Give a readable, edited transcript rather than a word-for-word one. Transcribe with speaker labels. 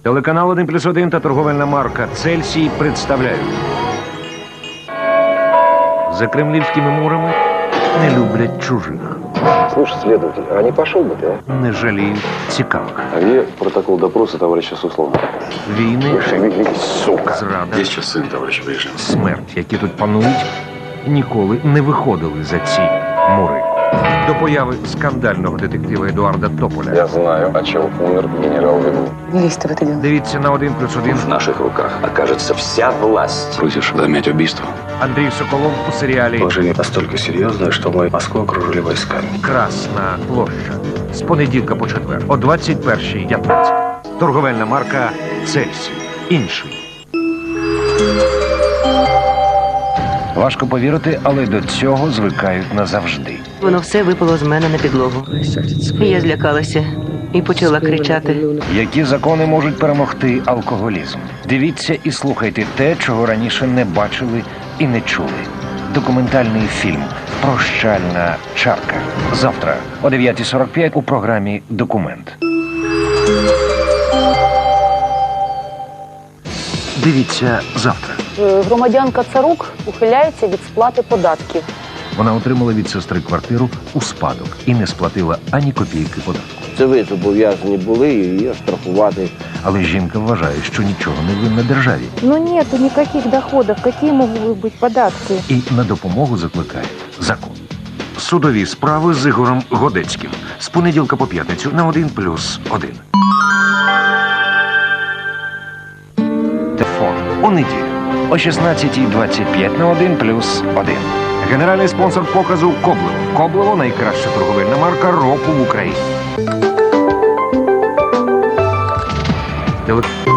Speaker 1: Телеканал 1+1 та торговельна марка «Цельсій» представляють. За кремлівськими мурами не люблять чужих.
Speaker 2: Слушай, следователь, а не пошел бы ты, а?
Speaker 1: Не жаліють цікавих.
Speaker 2: А где протокол допроса товарища Суслова?
Speaker 1: Війни,
Speaker 2: Сука.
Speaker 1: зрада,
Speaker 3: Есть сейчас сын, товарищ Брежнев.
Speaker 1: смерть, які тут панують, ніколи не виходили за ці мури. До появи скандального детектива Едуарда Тополя.
Speaker 2: Я знаю, о чем умер генерал Вегу.
Speaker 4: Не лезь ты в это дело.
Speaker 1: Дивіться на 1+1.
Speaker 3: В наших руках окажется вся власть. Просишь замять убийство?
Speaker 1: Андрій Соколов у серіалі
Speaker 2: Положение настолько серьезное, что мы Москву окружили войсками.
Speaker 1: «Красна площа». З понеділка по четвер о 21:15. Торговельна марка «Цельсій». Інший. Важко повірити, але до цього звикають назавжди.
Speaker 5: Воно все випало з мене на підлогу. Я злякалася і почала кричати.
Speaker 1: Які закони можуть перемогти алкоголізм? Дивіться і слухайте те, чого раніше не бачили і не чули. Документальний фільм «Прощальна чарка». Завтра о 9:45 у програмі «Документ». Дивіться завтра.
Speaker 4: Громадянка Царук ухиляється від сплати податків.
Speaker 1: Вона отримала від сестри квартиру у спадок і не сплатила ані копійки податку.
Speaker 6: Це ви зобов'язані були її оштрафувати.
Speaker 1: Але жінка вважає, що нічого не винна державі.
Speaker 4: Но нету никаких доходов. Какие могут быть податки?
Speaker 1: І на допомогу закликає закон. Судові справи з Ігорем Годецьким. З понеділка по п'ятницю на 1+1. Телефон у неділю о 16:25 на 1+1. Генеральний спонсор показу Коблево. Коблево – найкраща торговельна марка року в Україні.